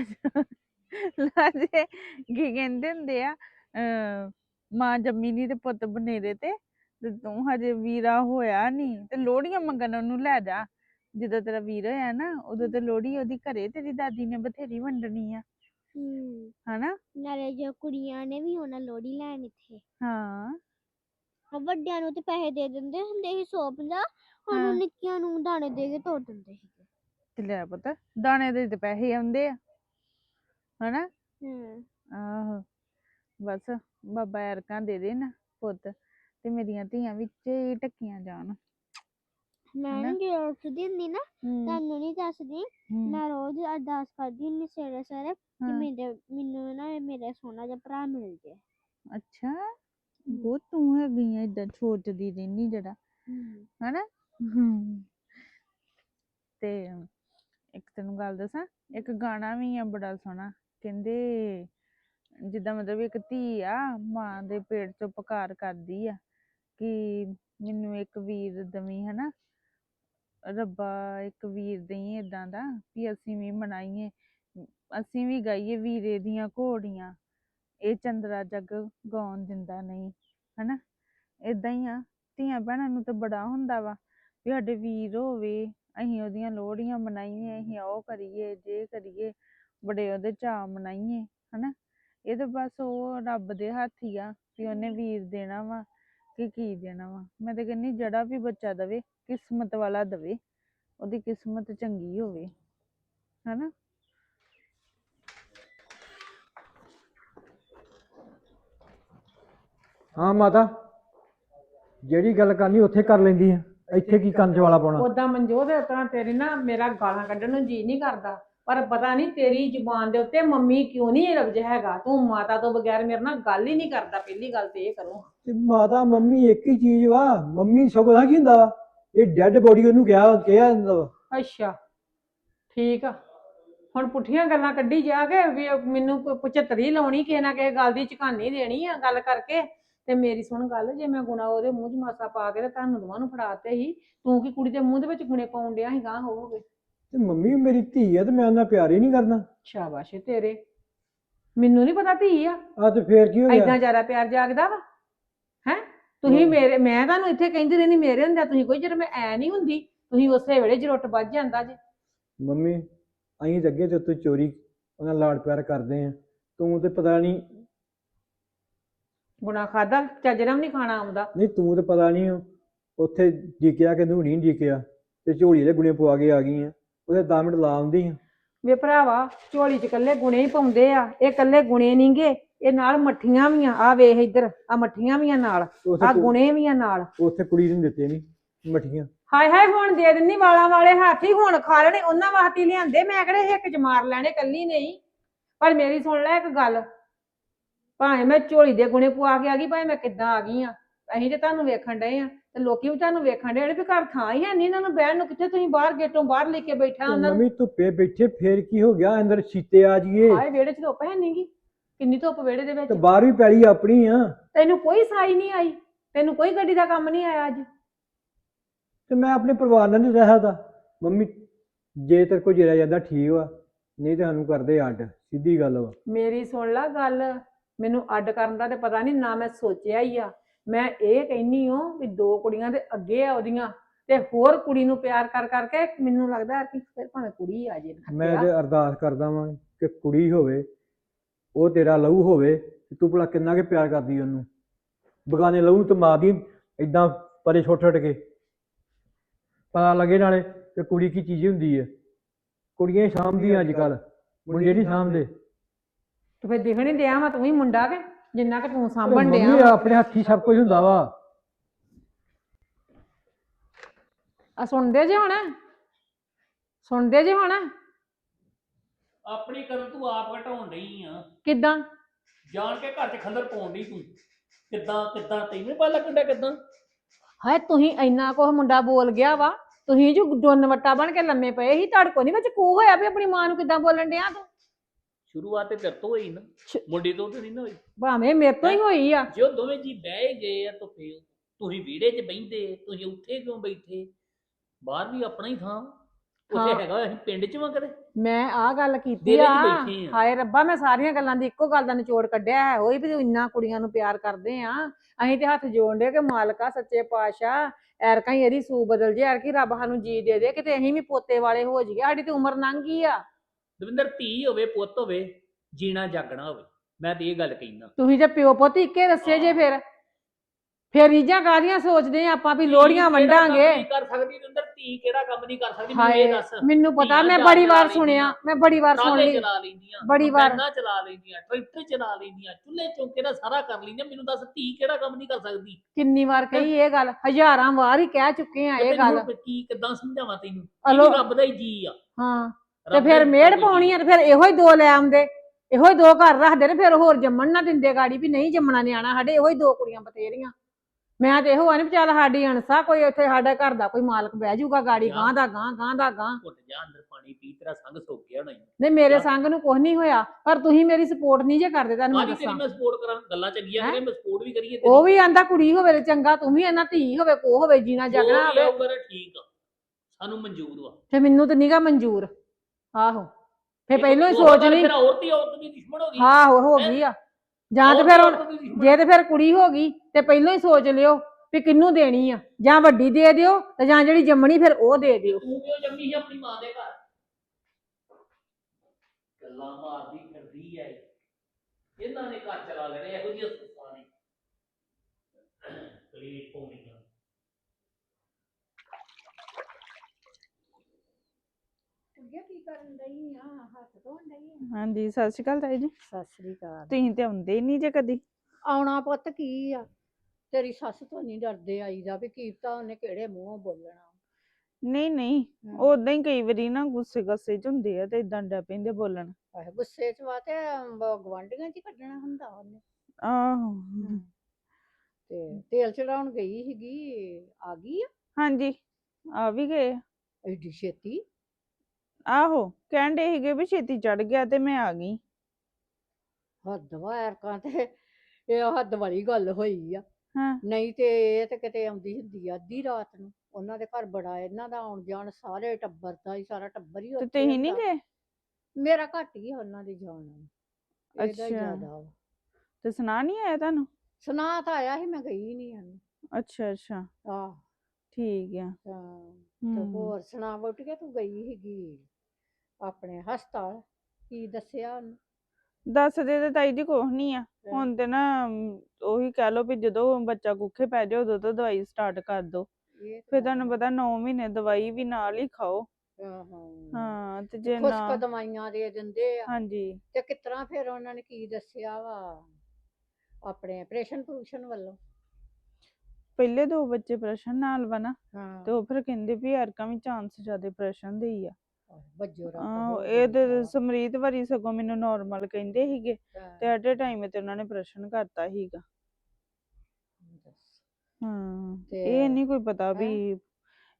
A: ਲਾਜੇ ਕੀ ਕਹਿੰਦੇ ਹੁੰਦੇ ਆ, ਅਹ ਮਾਂ ਜੰਮੀ ਨੀ ਤੇ ਪੁੱਤ ਬਨੇਰੇ ਤੇ ਤੇ ਤੂੰ ਹਜੇ ਵੀਰਾ ਹੋਇਆ ਨੀ ਤੇ ਲੋਹੜੀਆਂ ਮੰਗਣ ਉਹਨੂੰ ਲੈ ਜਾ। ਜਦੋਂ ਤੇਰਾ ਵੀਰ ਹੋਇਆ ਨਾ ਉਦੋਂ ਤੇ ਲੋਹੜੀ ਉਹਦੀ ਘਰੇ ਤੇਰੀ ਦਾਦੀ ਨੇ ਬਥੇਰੀ ਵੰਡਣੀ ਆ,
C: ਹਮ।
A: ਹਨਾ?
C: ਨਾਲੇ ਜੋ ਕੁੜੀਆਂ ਨੇ ਵੀ ਹੋਣਾ ਲੋਹੜੀ ਲੈਣ ਇੱਥੇ,
A: ਹਾਂ
C: ਉਹ ਵੱਡਿਆਂ ਨੂੰ ਤੇ ਪੈਸੇ ਦੇ ਦਿੰਦੇ ਹੁੰਦੇ ਸੀ ਸੌ ਪੰਜਾਹ,
A: ਹਾਂ।
C: ਹੁਣ ਨਿੱਕੀਆਂ ਨੂੰ ਦਾਣੇ ਦੇ ਕੇ ਤੋੜ ਦਿੰਦੇ ਸੀ।
A: ਤੇ ਲੈ ਪੁੱਤ ਦਾਣੇ ਦੇ ਤੇ ਪੈਸੇ ਆਉਂਦੇ ਆ, ਹਨਾ?
C: ਹਮ।
A: ਆਹੋ ਬਸ ਬਾਬਾ ਐਰਕਾਂ ਦੇ ਦੇ ਨਾ ਪੁੱਤ ਤੇ ਮੇਰੀਆਂ ਧੀਆਂ ਵਿੱਚ ਹੀ ਟੱਕੀਆਂ ਜਾਣ।
C: ਮੈਂ
A: ਹਨਾ?
C: ਨਾ ਜੇ ਉੱਠਦੀ ਹੁੰਦੀ ਨਾ,
A: ਹੂੰ
C: ਤੁਹਾਨੂੰ ਨਹੀਂ ਦੱਸਦੀ,
A: ਹੂੰ
C: ਮੈਂ ਰੋਜ਼ ਅਰਦਾਸ ਕਰਦੀ ਹੁੰਦੀ ਸਵੇਰੇ ਸਵੇਰੇ ਕਿ
A: ਹਾਂ।
C: ਮੇਰੇ ਮੈਨੂੰ ਨਾ ਮੇਰਾ ਸੋਹਣਾ ਜਿਹਾ ਭਰਾ ਮਿਲ ਜਾਏ।
A: ਅੱਛਾ ਬਹੁਤ ਤੂੰ ਹੈਗੀ ਆ ਏਦਾਂ ਸੋਚਦੀ ਰਹਿਨੀ ਜਿਹੜਾ,
C: ਹਮ।
A: ਹਨਾ? ਹਮ ਤੇ ਇੱਕ ਤੈਨੂੰ ਗੱਲ ਦੱਸਾਂ, ਇੱਕ ਗਾਣਾ ਵੀ ਆ ਬੜਾ ਸੋਹਣਾ, ਕਹਿੰਦੇ ਜਿੱਦਾਂ ਮਤਲਬ ਇੱਕ ਧੀ ਆ ਮਾਂ ਦੇ ਪੇਟ ਚੋਂ ਪੁਕਾਰ ਕਰਦੀ ਆ ਕਿ ਮੈਨੂੰ ਇੱਕ ਵੀਰ ਦਵੀਂ, ਹਨਾ ਰੱਬਾ ਇੱਕ ਵੀਰ ਦਈ ਏਦਾਂ ਦਾ ਵੀ ਅਸੀਂ ਵੀ ਮਨਾਈਏ, ਅਸੀਂ ਵੀ ਗਾਈਏ ਵੀਰੇ ਦੀਆਂ ਘੋੜੀਆਂ, ਇਹ ਚੰਦਰਾ ਜੱਗ ਗਾਉਣ ਦਿੰਦਾ ਨਹੀਂ, ਹਨਾ? ਏਦਾਂ ਹੀ ਆ ਧੀਆਂ ਭੈਣਾਂ ਨੂੰ ਤਾਂ ਬੜਾ ਹੁੰਦਾ ਵਾ ਵੀ ਸਾਡੇ ਵੀਰ ਹੋਵੇ, ਅਸੀਂ ਉਹਦੀਆਂ ਲੋਹੜੀਆਂ ਮਨਾਈਏ, ਅਸੀਂ ਉਹ ਕਰੀਏ ਜੇ ਕਰੀਏ, ਬੜੇ ਉਹਦੇ ਚਾਅ ਮਨਾਈਏ, ਹਨਾ? ਇਹ ਤਾਂ ਬਸ ਉਹ ਰੱਬ ਦੇ ਹੱਥ ਹੀ ਆ ਵੀ ਉਹਨੇ ਵੀਰ ਦੇਣਾ ਵਾ ਕਿ ਕੀ ਦੇਣਾ ਵਾ। ਮੈਂ ਤਾਂ ਕਹਿੰਦੀ ਜਿਹੜਾ ਵੀ ਬੱਚਾ ਦਵੇ ਕਿਸਮਤ ਵਾਲਾ ਦਵੇ, ਉਹਦੀ ਕਿਸਮਤ ਚੰਗੀ ਹੋਵੇ, ਹਨਾ?
B: ਹਾਂ ਮਾਤਾ, ਜਿਹੜੀ ਗੱਲ ਕਰਨੀ ਉੱਥੇ ਕਰ ਲੈਂਦੀ ਆ, ਇੱਥੇ ਕੀ ਕੰਨ 'ਚ ਵਾਲਾ ਪਾਉਣਾ?
D: ਓਦਾਂ ਮਨਜੋਤ ਇਸ ਤਰ੍ਹਾਂ ਤੇਰੀ ਨਾ ਮੇਰਾ ਗਾਲਾਂ ਕੱਢਣ ਨੂੰ ਜੀ ਨਹੀਂ ਕਰਦਾ, ਪਰ ਪਤਾ ਨਹੀਂ ਤੇਰੀ ਜ਼ੁਬਾਨ ਦੇ ਉੱਤੇ ਮੰਮੀ ਕਿਉਂ ਨਹੀਂ ਲਫ਼ਜ਼ ਹੈਗਾ। ਤੂੰ ਮਾਤਾ ਤੋਂ ਬਗੈਰ ਮੇਰੇ ਨਾਲ ਗੱਲ ਹੀ ਨਹੀਂ ਕਰਦਾ, ਪਹਿਲੀ ਗੱਲ ਤੇ ਇਹ ਕਰੋ।
B: ਤੇ ਮਾਤਾ ਮੰਮੀ ਇੱਕ ਹੀ ਚੀਜ਼ ਵਾ, ਮੰਮੀ ਸਗੋਂ ਕੀ ਹੁੰਦਾ ਵਾ, ਇਹ ਡੈੱਡ ਬੋਡੀ ਉਹਨੂੰ ਕਿਹਾ ਕਿਹਾ ਜਾਂਦਾ ਵਾ।
D: ਅੱਛਾ ਠੀਕ ਆ, ਹੁਣ ਪੁੱਠੀਆਂ ਗੱਲਾਂ ਕੱਢੀ ਜਾ ਕੇ ਵੀ ਮੈਨੂੰ ਪਚੱਤਰੀ ਲਾਉਣੀ, ਕਿਸੇ ਨਾ ਕਿਸੇ ਗੱਲ ਦੀ ਝਕਾਨੀ ਦੇਣੀ ਆ ਗੱਲ ਕਰਕੇ। ਤੇ ਮੇਰੀ ਸੁਣ ਗੱਲ, ਜੇ ਮੈਂ ਗੁਣਾ ਉਹਦੇ ਮੂੰਹ 'ਚ ਮਾਸਾ ਪਾ ਕੇ ਤੇ ਤੁਹਾਨੂੰ ਦੋਵਾਂ ਨੂੰ ਫੜਾਤੇ ਸੀ, ਤੂੰ ਕੀ ਕੁੜੀ ਦੇ ਮੂੰਹ ਦੇ ਵਿੱਚ ਗੁਣੇ ਪਾਉਣ ਡਿਆ ਸੀ ਗਾਂ ਹੋਵੋਗੇ?
B: ਤੇ ਮੰਮੀ ਮੇਰੀ ਧੀ ਆ ਤੇ ਮੈਂ ਉਹਨਾਂ ਪਿਆਰ ਹੀ ਨਹੀਂ ਕਰਨਾ।
D: ਸ਼ਾਬਾਸ਼ ਏ ਤੇਰੇ, ਮੈਨੂੰ ਨਹੀਂ ਪਤਾ ਧੀ ਆ,
B: ਆ ਤੇ ਫੇਰ ਕੀ ਹੋ
D: ਐਦਾਂ
B: ਗਿਆ?
D: ਜ਼ਿਆਦਾ ਪਿਆਰ ਜਾਗਦਾ ਵਾ ਹੈ? ਤੁਸੀਂ ਮੇਰੇ, ਮੈਂ ਤੁਹਾਨੂੰ ਇੱਥੇ ਕਹਿੰਦੀ ਰਹਿੰਦੀ ਮੇਰੇ ਹੁੰਦਿਆਂ ਤੁਸੀਂ ਕੋਈ, ਜਦੋਂ ਮੈਂ ਐ ਨਹੀਂ ਹੁੰਦੀ ਤੁਸੀਂ ਉਸੇ ਵੇਲੇ ਜਰੁੱਟ ਵੱਜ ਜਾਂਦਾ ਜੇ।
B: ਮੰਮੀ ਅਸੀਂ ਤਾਂ ਅੱਗੇ ਤੇ ਉੱਤੇ ਚੋਰੀ ਉਹਨਾਂ ਲਾਡ ਪਿਆਰ ਕਰਦੇ ਆ, ਤੂੰ ਤੇ ਪਤਾ ਨਹੀਂ,
D: ਗੁਣਾ ਖਾਦਾ ਚੱਜਣਾ ਵੀ ਨਹੀਂ ਖਾਣਾ ਆਉਂਦਾ।
B: ਨਹੀਂ ਤੂੰ ਤੇ ਪਤਾ ਨਹੀਂ ਉੱਥੇ ਡੀਕਿਆ ਕਿ ਨਹੀਂ ਡੀਕਿਆ, ਤੇ ਝੋਲੀ ਦੇ ਗੁਣੇ ਪਵਾ ਕੇ ਆ ਗਈ ਆ, ਉਹਦੇ ਦਸ ਮਿੰਟ ਲਾ ਆਉਂਦੀ ਆ।
D: ਵੇ ਭਰਾਵਾ ਝੋਲੀ 'ਚ ਕੱਲੇ ਗੁਣੇ ਹੀ ਪਾਉਂਦੇ ਆ, ਇਹ ਕੱਲੇ ਗੁਣੇ ਨਹੀਂਗੇ, ਇਹ ਨਾਲ ਮੱਠੀਆਂ ਵੀ ਆ। ਆ ਵੇਖ ਇੱਧਰ, ਆ ਮੱਠੀਆਂ ਵੀ ਆ ਨਾਲ, ਆ ਗੁਣੇ ਵੀ ਆ ਨਾਲ।
B: ਉੱਥੇ ਕੁੜੀ ਨੂੰ ਦਿੱਤੇ ਨਹੀਂ ਮੱਠੀਆਂ।
D: ਹਾਏ ਹਾਏ ਹੁਣ ਦੇ ਦਿੰਦੀ ਵਾਲਾਂ ਵਾਲੇ ਹੱਥ ਹੀ, ਹੁਣ ਖਾ ਲੈਣੇ, ਉਹਨਾਂ ਵਾਸਤੇ ਹੀ ਲਿਆਂਦੇ, ਮੈਂ ਕਿਹੜੇ ਹਿੱਕ 'ਚ ਮਾਰ ਲੈਣੇ ਕੱਲੀ ਨਹੀਂ। ਪਰ ਮੇਰੀ ਸੁਣ ਲੈ ਇੱਕ ਗੱਲ, ਭਾਵੇਂ ਮੈਂ ਝੋਲੀ ਦੇ ਗੁਣੇ ਪਵਾ ਕੇ ਆ ਗਈ, ਭਾਵੇਂ ਮੈਂ ਕਿੱਦਾਂ ਆ ਗਈ ਆ, ਅਸੀਂ ਤੇ ਤੁਹਾਨੂੰ ਵੇਖਣ ਡਏ ਆ ਤੇ ਲੋਕੀ ਵੀ ਤੁਹਾਨੂੰ ਵੇਖਣ ਡਏ ਵੀ ਘਰ ਥਾਂ ਹੀ ਹੈ ਨਹੀਂ ਇਹਨਾਂ ਨੂੰ ਬਹਿਣ ਨੂੰ, ਕਿੱਥੇ ਤੁਸੀਂ ਬਾਹਰ ਗੇਟੋਂ ਬਾਹਰ ਲੈ ਕੇ ਬੈਠਾ ਉਹਨਾਂ ਨੂੰ।
B: ਮੰਮੀ ਧੁੱਪੇ ਬੈਠੇ ਫੇਰ ਕੀ ਹੋ ਗਿਆ, ਅੰਦਰ ਛੀਤੇ ਆ ਜਾਈਏ।
D: ਹਾਏ ਵਿਹੜੇ 'ਚ ਧੁੱਪ ਹੈ ਨੀ ਗੀ, ਕਿੰਨੀ ਧੁੱਪ ਵਿਹੜੇ ਦੇ
B: ਤੇ
D: ਵਿੱਚ।
B: ਬਾਹਰ ਵੀ ਪੈਲੀ ਆਪਣੀ ਆ।
D: ਤੈਨੂੰ ਕੋਈ ਸਾਈ ਨਹੀਂ ਆਈ, ਤੈਨੂੰ ਕੋਈ ਗੱਡੀ ਦਾ ਕੰਮ ਨਹੀਂ ਆਇਆ ਅੱਜ।
B: ਤੇ ਮੈਂ ਆਪਣੇ ਪਰਿਵਾਰ ਨਾਲ ਨਹੀਂ ਰਹਿ ਸਕਦਾ। ਮੰਮੀ ਜੇ ਤੇਰੇ ਕੋਲ ਜਿਆ ਜਾਂਦਾ ਠੀਕ ਵਾ, ਨਹੀਂ ਤੇ ਸਾਨੂੰ ਕਰਦੇ ਅੱਡ, ਸਿੱਧੀ ਗੱਲ ਵਾ।
D: ਮੇਰੀ ਸੁਣ ਲਾ ਗੱਲ, ਮੈਨੂੰ ਅੱਡ ਕਰਨ ਦਾ ਤੇ ਪਤਾ ਨਹੀਂ ਨਾ, ਮੈਂ ਸੋਚਿਆ ਹੀ ਆ। ਮੈਂ ਇਹ ਕਹਿੰਨੀ ਹਾਂ ਵੀ ਦੋ ਕੁੜੀਆਂ ਦੇ ਅੱਗੇ ਆ ਉਹਦੀਆਂ, ਤੇ ਹੋਰ ਕੁੜੀ ਨੂੰ ਪਿਆਰ ਕਰ ਕਰਕੇ ਮੈਨੂੰ ਲੱਗਦਾ ਕਿ ਫਿਰ ਭਾਵੇਂ ਕੁੜੀ ਆ ਜੇ।
B: ਮੈਂ ਤੇ ਅਰਦਾਸ ਕਰਦਾ ਵਾਂ ਕਿ ਕੁੜੀ ਹੋਵੇ, ਉਹ ਤੇਰਾ ਲਹੂ ਹੋਵੇ, ਤੇ ਤੂੰ ਭਲਾ ਕਿੰਨਾ ਕੁ ਪਿਆਰ ਕਰਦੀ ਉਹਨੂੰ। ਬਗਾਨੇ ਲਹੂ ਨੂੰ ਤੇ ਮਾਰਦੀ ਏਦਾਂ ਪਰੇ ਛੁੱਟ ਛੁੱਟ ਕੇ, ਪਤਾ ਲੱਗੇ ਨਾਲੇ ਕਿ ਕੁੜੀ ਕੀ ਚੀਜ਼ ਹੁੰਦੀ ਹੈ। ਕੁੜੀਆਂ ਹੀ ਸਾਂਭਦੀਆਂ ਅੱਜ ਕੱਲ੍ਹ, ਮੁੰਡੇ ਨਹੀਂ ਸਾਂਭਦੇ।
D: ਤੇ ਫਿਰ ਦਿਖਣ ਹੀ ਡਿਆ ਵਾ ਤੂੰ ਵੀ ਮੁੰਡਾ ਕੇ ਜਿੰਨਾ ਕਿ ਤੂੰ ਸਾਂਭਣ ਡਿਆ
B: ਮੰਮੀ
D: ਵਾ।
B: ਆਪਣੇ ਹੱਥੀ ਸਭ ਕੁਝ ਹੁੰਦਾ ਵਾ।
D: ਆ ਸੁਣਦੇ ਜੇ ਹੁਣ, ਸੁਣਦੇ ਜੇ ਹੁਣ।
E: ਆਪਣੀ ਕਦਰ ਤੂੰ ਆਪ ਘਟਾਉਣ ਡਈ ਆ,
D: ਕਿੱਦਾਂ?
E: ਜਾਣ ਕੇ ਘਰ 'ਚ ਖੰਦਰ ਪਾਉਣ ਡਈ ਤੂੰ। ਕਿੱਦਾਂ ਕਿੱਦਾਂ ਤੈਨੂੰ ਨੀ ਪਤਾ ਲੱਗਣ ਡਿਆ ਕਿੱਦਾਂ?
D: ਹਾਏ ਤੁਸੀਂ ਇੰਨਾ ਕੁਛ ਮੁੰਡਾ ਬੋਲ ਗਿਆ ਵਾ, ਤੁਸੀਂ ਜੋ ਡੁੰਨ ਵੱਟਾ ਬਣ ਕੇ ਲੰਮੇ ਪਏ ਸੀ, ਤੁਹਾਡੇ ਕੋਲ ਨੀ ਵਿੱਚ ਕੂ ਹੋਇਆ ਵੀ ਆਪਣੀ ਮਾਂ ਨੂੰ ਕਿੱਦਾਂ ਬੋਲਣ ਡਿਆ ਤੂੰ?
E: ਸ਼ੁਰੂਆਤ ਤੇ ਤੇਰੇ ਤੋਂ ਹੋਈ ਨਾ, ਮੁੰਡੇ ਤੋਂ ਤੇ ਨਹੀਂ ਨਾ ਹੋਈ।
D: ਭਾਵੇਂ ਮੇਰੇ ਤੋਂ ਹੀ ਹੋਈ ਆ।
E: ਜੇ ਉਹ ਦੋਵੇਂ ਜੀ ਬਹਿ ਹੀ ਗਏ ਆ ਧੁੱਪੇ, ਤੁਸੀਂ ਵਿਹੜੇ 'ਚ ਬਹਿੰਦੇ, ਤੁਸੀਂ ਉੱਥੇ ਕਿਉਂ ਬੈਠੇ? ਬਾਹਰ ਵੀ ਆਪਣਾ ਹੀ ਥਾਂ, ਉੱਥੇ
D: ਹਾਂ।
E: ਹੈਗਾ ਅਸੀਂ ਪਿੰਡ 'ਚ ਵਾਂ ਕਦੇ।
D: ਮੈਂ ਆਹ ਗੱਲ ਕੀਤੀ
E: ਵਿਹੜੇ 'ਚ
D: ਆ।
E: ਬੈਠੇ ਆ।
D: ਹਾਏ ਰੱਬਾ, ਮੈਂ ਸਾਰੀਆਂ ਗੱਲਾਂ ਦੀ ਇੱਕੋ ਗੱਲ ਦਾ ਨਿਚੋੜ ਕੱਢਿਆ ਹੈ, ਉਹੀ ਵੀ ਤੂੰ ਇੰਨਾ ਕੁੜੀਆਂ ਨੂੰ ਪਿਆਰ ਕਰਦੇ ਆ। ਅਸੀਂ ਤੇ ਹੱਥ ਜੋੜ ਡੇ ਕਿ ਮਾਲਕਾ ਸੱਚੇ ਪਾਤਸ਼ਾਹ ਐਰਕਾਂ ਹੀ ਇਹਦੀ ਸੂ ਬਦਲ ਜੇ, ਐਰਕੀ ਰੱਬ ਸਾਨੂੰ ਜੀ ਦੇ ਦੇ, ਕਿਤੇ ਅਸੀਂ ਵੀ ਪੋਤੇ ਵਾਲੇ ਹੋ ਜਾਈਏ। ਸਾਡੀ ਤੇ ਉਮਰ ਲੰਘ ਗਈ ਆ।
E: ਦਵਿੰਦਰ, ਧੀ ਹੋਵੇ ਪੁੱਤ ਹੋਵੇ, ਜੀਣਾ ਜਾਗਣਾ ਹੋਵੇ, ਮੈਂ ਤੇ ਇਹ ਗੱਲ ਕਹਿਣਾ।
D: ਤੁਸੀਂ ਤੇ ਪਿਓ ਪੁੱਤ ਇੱਕੇ ਦੱਸੇ ਜੇ। ਫਿਰ ਫਿਰ ਰੀਝਾਂ ਕਾਹਦੀਆਂ ਸੋਚਦੇ ਆ ਆਪਾਂ ਵੀ ਲੋਹੜੀਆਂ ਵੰਡਾਂਗੇ।
E: ਧੀ ਕਰ ਸਕਦੀ ਦਵਿੰਦਰ, ਧੀ ਕਿਹੜਾ ਕੰਮ ਨਹੀਂ ਕਰ ਸਕਦੀ? ਮੈਨੂੰ
D: ਹਾਏ
E: ਇਹ ਦੱਸ।
D: ਮੈਨੂੰ ਪਤਾ,
E: ਧੀਆਂ
D: ਮੈਂ
E: ਜਹਾਜ਼
D: ਬੜੀ
E: ਚਲਾ
D: ਵਾਰ
E: ਲੈਂਦੀਆਂ,
D: ਸੁਣਿਆ, ਮੈਂ ਬੜੀ ਵਾਰ ਸੁਣ
E: ਟਰਾਲੇ
D: ਲਈ
E: ਚਲਾ ਲੈਂਦੀਆਂ,
D: ਬੜੀ ਵਾਰ।
E: ਕੰਬਾਈਨਾਂ ਚਲਾ ਲੈਂਦੀਆਂ, ਟਰੈਕਟਰ ਚਲਾ ਲੈਂਦੀਆਂ, ਚੁੱਲ੍ਹੇ ਚੌਂਕੇ ਦਾ ਸਾਰਾ ਕਰ ਲੈਂਦੀਆਂ। ਮੈਨੂੰ ਦੱਸ, ਧੀ ਕਿਹੜਾ ਕੰਮ ਨਹੀਂ ਕਰ ਸਕਦੀ?
D: ਕਿੰਨੀ ਵਾਰ ਕਹੀ ਇਹ ਗੱਲ, ਹਜ਼ਾਰਾਂ ਵਾਰ ਹੀ ਕਹਿ ਚੁੱਕੇ ਆ
E: ਤੇ
D: ਇਹ
E: ਤੈਨੂੰ
D: ਗੱਲ।
E: ਹੁਣ ਕੀ ਕਿੱਦਾਂ ਸਮਝਾਵਾਂ ਤੈਨੂੰ?
D: ਹਲੋ।
E: ਇਹ ਵੀ ਰੱਬ ਦਾ ਹੀ ਜੀ ਆ।
D: ਹਾਂ ਤੇ
E: ਰੱਬ ਦਾ
D: ਫਿਰ
E: ਹੀ
D: ਮਿਹੜ
E: ਕੋਈ
D: ਪਾਉਣੀ
E: ਜੀ
D: ਆ, ਤੇ ਫਿਰ ਇਹੋ ਹੀ ਦੋ ਲੈ ਆਉਂਦੇ, ਇਹੋ ਹੀ ਦੋ ਘਰ ਰੱਖਦੇ ਨੇ, ਫਿਰ ਹੋਰ ਜੰਮਣ ਨਾ ਦਿੰਦੇ ਗਾੜੀ ਵੀ ਨਹੀਂ ਜੰਮਣਾ ਨਿਆਣਾ ਸਾਡੇ। ਇਹੋ ਹੀ ਦੋ ਕੁੜੀਆਂ ਬਤੇਰੀਆਂ। ਮੈਂ ਤੇ ਇਹੋ ਆ ਨੀ ਵੀ ਚੱਲ ਸਾਡੀ ਅਣਸਾ ਕੋਈ ਇੱਥੇ ਸਾਡੇ ਘਰ ਦਾ ਕੋਈ ਮਾਲਕ ਬਹਿ ਜਾਊਗਾ ਗਾੜੀ,
E: ਜਾ।
D: ਗਾਂ ਦਾ ਗਾਂ, ਗਾਂ ਦਾ ਗਾਂ।
E: ਘੁੱਟ ਜਾ ਅੰਦਰ, ਪਾਣੀ ਪੀ, ਤੇਰਾ ਸੰਗ ਸੁੱਕ ਗਿਆ ਹੋਣਾ ਈ।
D: ਨਹੀਂ ਮੇਰੇ
E: ਜਾ।
D: ਸੰਗ ਨੂੰ ਕੁਝ ਨਹੀਂ ਹੋਇਆ, ਪਰ ਤੁਸੀਂ ਮੇਰੀ ਸਪੋਰਟ ਨਹੀਂ ਜੇ ਕਰਦੇ, ਤੁਹਾਨੂੰ ਮੈਂ
E: ਕਾਹਦੀ ਤੇਰੀ
D: ਦੱਸਾਂ।
E: ਮੈਂ ਸਪੋਰਟ ਕਰਾਂ? ਗੱਲਾਂ ਚੰਗੀਆਂ
D: ਹੈਂ?
E: ਕਰੀਏ, ਮੈਂ ਸਪੋਰਟ ਵੀ ਕਰੀਏ
D: ਉਹ ਵੀ ਆਂਦਾ ਕੁੜੀ ਹੋਵੇ ਤੇ ਚੰਗਾ, ਤੂੰ ਵੀ ਇਹਨਾਂ ਧੀ ਹੋਵੇ, ਕੋ ਹੋਵੇ, ਜੀਣਾ
E: ਜੋ
D: ਜਾਗਣਾ
E: ਵੀ
D: ਹੋਵੇ।
E: ਆਊਗਾ ਨਾ ਠੀਕ ਆ, ਸਾਨੂੰ ਮਨਜ਼ੂਰ ਵਾ।
D: ਤੇ ਮੈਨੂੰ ਤੇ ਨੀਗਾ ਮਨਜ਼ੂਰ। ਆਹੋ ਫੇ
E: ਇਹ
D: ਪਹਿਲਾਂ ਹੀ
E: ਉਹ
D: ਸੋਚ
E: ਗੱਲ
D: ਲਈ।
E: ਫਿਰ ਔਰਤ ਹੀ ਔਰਤ ਦੀ ਦੁਸ਼ਮਣ ਹੋ ਗਈ।
D: ਆਹੋ ਹੋ
E: ਹੈਂ?
D: ਗਈ ਆ। ਜਾਂ ਤੇ
E: ਔਰਤ
D: ਫਿਰ
E: ਹੀ
D: ਹੁਣ
E: ਔਰਤ ਦੀ ਦੁਸ਼ਮਣ।
D: ਜੇ ਤੇ ਫਿਰ ਕੁੜੀ ਹੋ ਗਈ ਤੇ ਪਹਿਲਾਂ ਹੀ ਸੋਚ ਲਿਓ ਵੀ ਕਿਹਨੂੰ ਦੇਣੀ ਆ, ਜਾਂ ਵੱਡੀ ਦੇ ਦਿਓ ਤੇ ਜਾਂ ਜਿਹੜੀ ਜੰਮਣੀ ਫਿਰ ਉਹ ਦੇ ਦਿਓ।
E: ਤੂੰ ਕਿਉਂ ਜੰਮੀ ਸੀ ਆਪਣੀ ਮਾਂ ਦੇ ਘਰ? ਗੱਲਾਂ ਮਾਰਦੀ ਫਿਰਦੀ ਐ, ਇਹਨਾਂ ਨੇ ਘਰ ਚਲਾ ਲੈਣੇ ਇਹੋ ਜਿਹੀਆਂ ਸੱਸਾਂ ਨੇ। ਕਲੀਪ ਪਾਉਣੀਆਂ।
D: ਕੀ ਕਰਨ ਡਈ ਆ? ਹੱਥ ਧੋਣ ਡਈ ਆ?
A: ਹਾਂਜੀ, ਸਤਿ ਸ਼੍ਰੀ ਅਕਾਲ ਤਾਈ ਜੀ।
D: ਸਤਿ ਸ੍ਰੀ ਅਕਾਲ।
A: ਤੁਸੀਂ ਤੇ ਆਉਂਦੇ ਨਹੀਂ ਜੇ ਕਦੀ।
D: ਆਉਣਾ ਪੁੱਤ ਕੀ ਆ, ਤੇਰੀ ਸੱਸ ਤੋਂ ਨਹੀਂ ਡਰਦੇ ਆਈਦਾ ਵੀ ਕੀ ਪਤਾ ਉਹਨੇ ਕਿਹੜੇ ਮੂੰਹੋਂ ਬੋਲਣਾ।
A: ਨਹੀਂ ਨਹੀਂ, ਉਦਾਂ ਹੀ ਕਈ ਵਾਰੀ ਨਾ ਗੁੱਸੇ ਗੱਸੇ ਚ ਹੁੰਦੇ ਆ ਤੇ ਇਦਾਂ ਡਾ ਪੈਂਦੇ ਬੋਲਣ।
D: ਆਹ ਗੁੱਸੇ ਚ ਵਾ ਤੇ ਗਵਾਂਢੀਆਂ ਚ ਹੀ ਕੱਢਣਾ ਹੁੰਦਾ ਉਹਨੇ।
A: ਆਹੋ।
D: ਤੇ ਤੇਲ ਚੜਾਉਣ ਗਈ ਸੀਗੀ, ਆ ਗਈ ਆ
A: ਹਾਂਜੀ, ਆ ਵੀ ਗਏ ਆ।
D: ਐਡੀ ਛੇਤੀ?
A: ਆਹੋ, ਕਹਿਣ ਡੇ ਸੀਗੇ ਵੀ ਛੇਤੀ ਚੜ ਗਿਆ ਤੇ ਮੈਂ ਆ ਗਈ।
D: ਹੱਦ ਵਾ ਐਰਕਾਂ ਤੇ, ਇਹ ਹੱਦ ਵਾਲੀ ਗੱਲ ਹੋਈ ਆ।
A: ਹਾਂ।
D: ਨਹੀਂ ਤੇ ਇਹ ਤੇ ਕਿਤੇ ਆਉਂਦੀ ਹੁੰਦੀ ਆ ਅੱਧੀ ਰਾਤ ਨੂੰ। ਉਹਨਾਂ ਦੇ ਘਰ ਬੜਾ ਇਹਨਾਂ ਦਾ ਆਉਣ ਜਾਣ, ਸਾਰੇ ਟੱਬਰ ਦਾ ਹੀ, ਸਾਰਾ ਟੱਬਰ ਹੀ
A: ਤੇ
D: ਉੱਥੇ
A: ਤੁਸੀਂ ਨਹੀਂ
D: ਹੁੰਦਾ।
A: ਗਏ?
D: ਮੇਰਾ ਘੱਟ ਹੀ ਆ ਉਹਨਾਂ ਦੀ ਜਾਣ, ਇਹਦਾ ਹੀ
A: ਅੱਛਾ।
D: ਜ਼ਿਆਦਾ ਵਾ।
A: ਤੇ ਸੁਣਾ ਨਹੀਂ ਆਇਆ ਤੁਹਾਨੂੰ?
D: ਸੁਣਾ ਤਾਂ ਆਇਆ ਸੀ, ਮੈਂ ਗਈ ਨਹੀਂ ਹਨ।
A: ਅੱਛਾ ਅੱਛਾ,
D: ਆਹ
A: ਠੀਕ ਆ।
D: ਹਾਂ। ਤੇ
A: ਹੂੰ।
D: ਹੋਰ ਸੁਣਾ ਵਹੁਟੀਏ, ਤੂੰ ਗਈ ਸੀਗੀ ਆਪਣੇ ਹਸਪਤਾਲ, ਕੀ ਦੱਸਿਆ ਉਹਨੂੰ?
A: ਦੱਸਦੇ ਤੇ ਤਾਈ ਜੀ ਕੁਛ ਨਹੀਂ ਆ। ਹੁਣ ਤੇ ਨਾ ਅਮ, ਉਹੀ ਕਹਿ ਲਓ ਵੀ ਜਦੋਂ ਬੱਚਾ ਕੁੱਖੇ ਪੈ ਜਾਏ ਉਦੋਂ ਤੋਂ ਦਵਾਈ ਸਟਾਰਟ ਕਰ ਦੋ।
D: ਇਹ
A: ਫਿਰ ਤੁਹਾਨੂੰ ਪਤਾ ਨੌ ਮਹੀਨੇ ਦਵਾਈ ਵੀ ਨਾਲ ਹੀ ਖਾਓ।
D: ਹਾਂ
A: ਹਾਂ ਤੇ ਜੇ
D: ਖੁਸ਼ਕ
A: ਨਾ।
D: ਦਵਾਈਆਂ ਦੇ ਦਿੰਦੇ ਆ।
A: ਹਾਂਜੀ।
D: ਤੇ ਕਿਸ ਤਰ੍ਹਾਂ ਫਿਰ ਉਹਨਾਂ ਨੇ ਕੀ ਦੱਸਿਆ ਵਾ ਆਪਣੇ ਆਪਰੇਸ਼ਨ ਪਰੂਸ਼ਨ ਵੱਲੋਂ?
A: ਪਹਿਲੇ ਦੋ ਬੱਚੇ ਪ੍ਰਸ਼ਨ ਨਾਲ ਵਾ ਨਾ, ਤੇ
D: ਹਾਂ
A: ਉਹ ਫਿਰ ਕਹਿੰਦੇ ਵੀ ਐਰਕਾਂ ਵੀ ਚਾਂਸ ਜ਼ਿਆਦਾ ਪ੍ਰਸ਼ਨ ਦੇ ਹੀ ਆ।
D: ਵੱਜੋ ਰੱਬ
A: ਆਹ
D: ਹੋ
A: ਇਹ ਤੇ
D: ਜਾਊਗਾ।
A: ਸਮਰੀਤ ਵਾਰੀ ਸਗੋਂ ਮੈਨੂੰ ਨਾਰਮਲ ਕਹਿੰਦੇ ਸੀਗੇ,
D: ਹਾਂ,
A: ਤੇ ਐਟ ਏ ਟਾਈਮ ਤੇ ਉਹਨਾਂ ਨੇ ਪ੍ਰਸ਼ਨ ਕਰਤਾ ਸੀਗਾ।
D: ਦੱਸ।
A: ਹਾਂ,
D: ਤੇ
A: ਇਹ ਨਹੀਂ ਕੋਈ ਪਤਾ
D: ਹੈਂ?
A: ਵੀ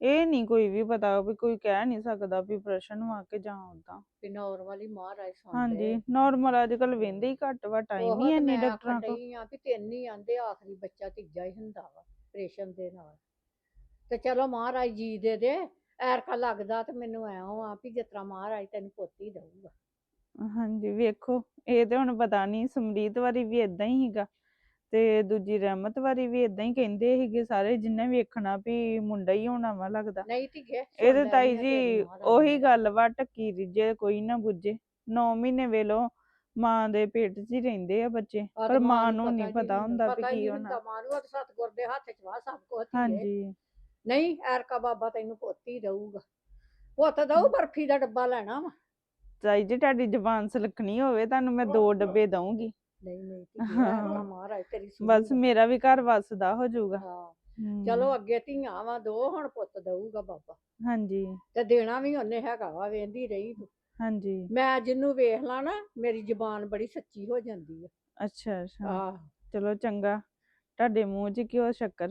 A: ਇਹ ਨਹੀਂ ਕੋਈ ਵੀ ਪਤਾ ਵੀ ਕੋਈ ਕਹਿ ਨਹੀਂ ਸਕਦਾ ਵੀ ਪ੍ਰਸ਼ਨ ਵਾ ਕੇ ਜਾਂ ਉਦਾਂ।
D: ਵੀ ਨਾਰਮਲ ਹੀ ਮਹਾਰਾਜ ਸੁਣ
A: ਹਾਂਜੀ
D: ਲਏ।
A: ਨਾਰਮਲ ਅੱਜ ਕੱਲ ਵਹਿੰਦੇ ਹੀ ਘੱਟ ਵਾ, ਟਾਈਮ
D: ਉਹ
A: ਹੀ
D: ਤੇ
A: ਇੰਨੀ
D: ਮੈਂ
A: ਡਾਕਟਰਾਂ
D: ਆਖਣ
A: ਕੋਲ।
D: ਡਈ ਆ ਵੀ ਤਿੰਨ ਹੀ ਆਂਦੇ, ਆਖਰੀ ਬੱਚਾ ਤੀਜਾ ਹੀ ਹੁੰਦਾ ਵਾ ਆਪਰੇਸ਼ਨ ਦੇ ਨਾਲ। ਤੇ ਚਲੋ ਮਹਾਰਾਜ ਜੀ ਦੇ ਦੇ, ਐਰਕਾ ਲੱਗਦਾ ਤੇ ਮੈਨੂੰ ਐਂ ਆ ਵੀ ਜਿਸ ਤਰ੍ਹਾਂ ਮਹਾਰਾਜ ਤੈਨੂੰ ਪੋਤੀ ਦਊਗਾ।
A: ਹਾਂਜੀ ਵੇਖੋ, ਇਹ ਤੇ ਹੁਣ ਪਤਾ ਨਹੀਂ, ਸਮਰੀਤ ਵਾਰੀ ਵੀ ਇਦਾਂ ਹੀ ਸੀਗਾ ਤੇ ਦੂਜੀ ਰਹਿਮਤ ਵਾਰੀ ਵੀ ਇਦਾਂ ਹੀ ਕਹਿੰਦੇ ਸੀਗੇ ਸਾਰੇ, ਜਿੰਨੇ ਵੇਖਣਾ ਵੀ ਮੁੰਡਾ ਹੀ ਹੋਣਾ ਵਾ ਲੱਗਦਾ।
D: ਨਹੀਂ ਧੀਏ
A: ਇਹਦੇ ਤਾਈ ਜੀ ਉਹੀ ਗੱਲ ਵਾ, ਟੱਕੀ ਰਿੱਝੇ ਕੋਈ ਨਾ ਬੁੱਝੇ। ਨੌ ਮਹੀਨੇ ਵੇਲੋ ਮਾਂ ਦੇ ਪੇਟ 'ਚ ਹੀ ਰਹਿੰਦੇ ਆ ਬੱਚੇ, ਪਰ ਮਾਂ ਨੂੰ ਨਹੀਂ ਪਤਾ ਹੁੰਦਾ ਵੀ ਕੀ ਹੋਣਾ।
D: ਮਾਂ ਨੂੰ ਤਾਂ ਸਤਿਗੁਰ ਦੇ ਹੱਥ 'ਚ ਵਾ ਸਭ ਕੁਝ।
A: ਹਾਂਜੀ
D: ਨਹੀਂ ਐਰਕਾ ਬਾਬਾ ਤੈਨੂੰ ਪੋਤੀ ਦਊਗਾ, ਪੁੱਤ ਦਊ। ਬਰਫੀ ਦਾ ਡੱਬਾ ਲੈਣਾ ਵਾ।
A: ਤਾਈ ਜੀ ਤੁਹਾਡੀ ਜ਼ੁਬਾਨ ਸਲਖਣੀ ਹੋਵੇ, ਤੁਹਾਨੂੰ ਮੈਂ ਦੋ ਡੱਬੇ ਦਊਂਗੀ।
D: ਨਹੀਂ ਨਹੀਂ ਧੀਏ, ਐਰਕਾ ਮਹਾਰਾਜ ਤੇਰੀ
A: ਬਸ
D: ਸੁਣੂਗਾ।
A: ਮੇਰਾ ਵੀ ਘਰ ਵਸਦਾ ਹੋ ਜਾਊਗਾ।
D: ਹਾਂ
A: ਹਮ,
D: ਚਲੋ ਅੱਗੇ ਧੀਆਂ ਵਾ ਦੋ, ਹੁਣ ਪੁੱਤ ਦਊਗਾ ਬਾਬਾ।
A: ਹਾਂਜੀ
D: ਤੇ ਦੇਣਾ ਵੀ ਉਹਨੇ ਹੈਗਾ ਵਾ, ਵੇਂਦੀ ਰਹੀ ਤੂੰ।
A: ਹਾਂਜੀ
D: ਮੈਂ ਜਿਹਨੂੰ ਵੇਖ ਲਾਂ ਨਾ, ਮੇਰੀ ਜ਼ੁਬਾਨ ਬੜੀ ਸੱਚੀ ਹੋ ਜਾਂਦੀ ਆ।
A: ਅੱਛਾ ਅੱਛਾ
D: ਆਹ
A: ਚਲੋ ਚੰਗਾ, ਤੁਹਾਡੇ ਮੂੰਹ 'ਚ ਘਿਓ ਸ਼ੱਕਰ।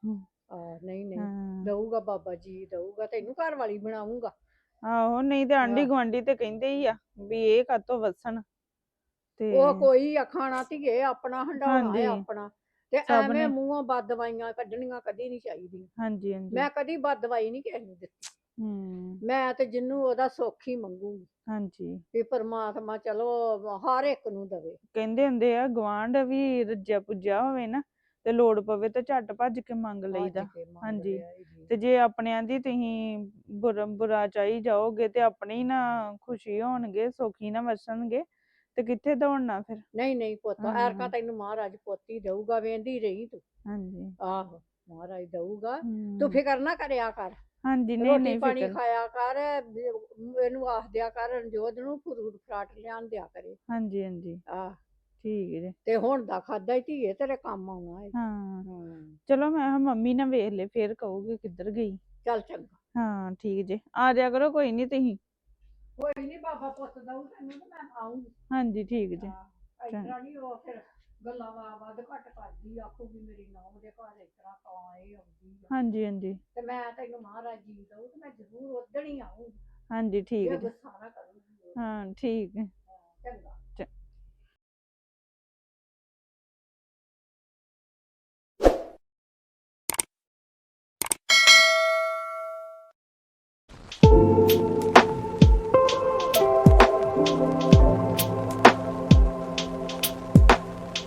D: ਆਹ ਨਹੀਂ ਨਹੀਂ
A: ਹਾਂ
D: ਦਊਗਾ ਬਾਬਾ ਜੀ, ਦਊਗਾ। ਤੈਨੂੰ ਘਰ ਵਾਲੀ ਬਣਾਉਂਗਾ।
A: ਆਹੋ, ਨਹੀਂ ਤੇ ਆਂਢੀ
D: ਆਹ।
A: ਗੁਆਂਢੀ ਤੇ ਕਹਿੰਦੇ ਹੀ ਆ ਵੀ ਇਹ ਕਾਤੋਂ ਵਸਣ ਤੇ
D: ਉਹ ਕੋਈ ਆਖਣਾ ਧੀਏ, ਆਪਣਾ ਹੰਡਾਉਣਾ
A: ਹਾਂਜੀ
D: ਹੈ ਆਪਣਾ। ਤੇ
A: ਸਭ
D: ਐਵੇਂ
A: ਨੇ
D: ਮੂੰਹੋਂ ਬਦ ਦਵਾਈਆਂ ਕੱਢਣੀਆਂ ਕਦੀ ਨਹੀਂ ਚਾਹੀਦੀਆਂ।
A: ਹਾਂਜੀ ਹਾਂਜੀ
D: ਮੈਂ ਕਦੀ ਬਦ ਦਵਾਈ ਨਹੀਂ ਕਿਸੇ ਨੂੰ ਦਿੱਤੀ।
A: ਹਮ
D: ਮੈਂ ਤੇ ਜਿਹਨੂੰ ਉਹਦਾ ਸੁੱਖ ਹੀ ਮੰਗੂਗੀ
A: ਹਾਂਜੀ
D: ਵੀ ਪਰਮਾਤਮਾ ਚਲੋ ਹਰ ਇੱਕ ਨੂੰ ਦਵੇ।
A: ਕਹਿੰਦੇ ਹੁੰਦੇ ਆ, ਗਵਾਂਢ ਵੀ ਰੱਜਿਆ ਪੁੱਜਿਆ ਹੋਵੇ ਨਾ ਤੇ ਲੋੜ ਪਵੇ ਤੇ ਝੱਟ ਭੱਜ ਕੇ ਮੰਗ
D: ਭੱਜ
A: ਲਈਦਾ।
D: ਕੇ ਮੰਗ
A: ਹਾਂਜੀ
D: ਲਿਆ ਈ ਜੀ।
A: ਤੇ ਜੇ ਆਪਣਿਆਂ ਦੀ ਤੁਸੀਂ ਬੁਰਾ ਬੁਰਾ ਚਾਹੀ ਜਾਓਗੇ ਤੇ ਆਪਣੇ ਹੀ ਨਾ ਖੁਸ਼ੀ ਹੋਣਗੇ, ਸੁਖੀ ਨਾ ਵਸਣਗੇ ਤੇ ਕਿੱਥੇ ਦੌੜਨਾ ਫਿਰ।
D: ਨਹੀਂ ਨਹੀਂ ਪੁੱਤ,
A: ਹਾਂ
D: ਐਰਕਾ ਤੈਨੂੰ ਮਹਾਰਾਜ ਪੋਤੀ ਦਊਗਾ, ਵੇਂਦੀ ਰਹੀ ਤੂੰ।
A: ਹਾਂਜੀ
D: ਆਹੋ ਮਹਾਰਾਜ ਦਊਗਾ, ਤੂੰ
A: ਹਮ,
D: ਫਿਕਰ ਨਾ ਕਰਿਆ ਕਰ।
A: ਹਾਂਜੀ ਨਹੀਂ
D: ਰੋਟੀ
A: ਨਹੀਂ
D: ਪਾਣੀ
A: ਫਿਕਰ।
D: ਖਾਇਆ ਕਰ, ਇਹਨੂੰ ਆਖ ਦਿਆ ਕਰ ਰਣਜੋਤ ਨੂੰ ਫਰੂਟ ਫਰਾਟ ਲਿਆਣ ਦਿਆ ਕਰੇ।
A: ਹਾਂਜੀ ਹਾਂਜੀ
D: ਆਹ
A: ਠੀਕ ਹੈ ਜੀ।
D: ਤੇ ਹੁਣ ਦਾ ਖਾਦਾ ਹੀ ਧੀਏ ਤੇਰੇ ਕੰਮ ਆਉਣਾ ਹੈ।
A: ਹਾਂ
D: ਹਾਂ
A: ਚਲੋ, ਮੈਂ ਕਿਹਾ ਮੰਮੀ ਨਾ ਵੇਖ ਲੈ, ਫੇਰ ਕਹੋਗੇ ਕਿੱਧਰ ਗਈ।
D: ਚੱਲ ਚੰਗਾ।
A: ਹਾਂ ਠੀਕ ਜੇ, ਆ ਜਾਇਆ ਕਰੋ ਕੋਈ ਨਹੀਂ ਤੁਸੀਂ।
D: ਕੋਈ ਨਹੀਂ ਬਾਬਾ ਪੁੱਤ ਦਊ ਤੈਨੂੰ ਤੇ ਮੈਂ ਆਉਂਗੀ।
A: ਹਾਂਜੀ ਠੀਕ ਜੇ।
D: ਹਾਂ ਇਤਰਾ ਨਹੀਂ ਉਹ ਫਿਰ ਗੱਲਾਂ ਵਾ ਵੱਧ ਘੱਟ ਕਰਦੀ, ਆਖੂਗੀ ਮੇਰੀ ਨੂੰਹ ਦੇ ਘਰ ਇਸ ਤਰ੍ਹਾਂ ਤਾਂ ਇਹ ਆਉਂਦੀ ਆ।
A: ਹਾਂਜੀ ਹਾਂਜੀ
D: ਤੇ ਮੈਂ ਤੈਨੂੰ ਮਹਾਰਾਜ ਜੀ ਦਊ ਤੇ ਮੈਂ ਜ਼ਰੂਰ ਉਦਣ ਹੀ ਆਉਂਗੀ।
A: ਹਾਂਜੀ ਠੀਕ
D: ਜੇ
A: ਜੇ।
D: ਗੁੱਸਾ ਨਾ ਕਰੂੰਗੀ।
A: ਹਾਂ ਠੀਕ ਹੈ।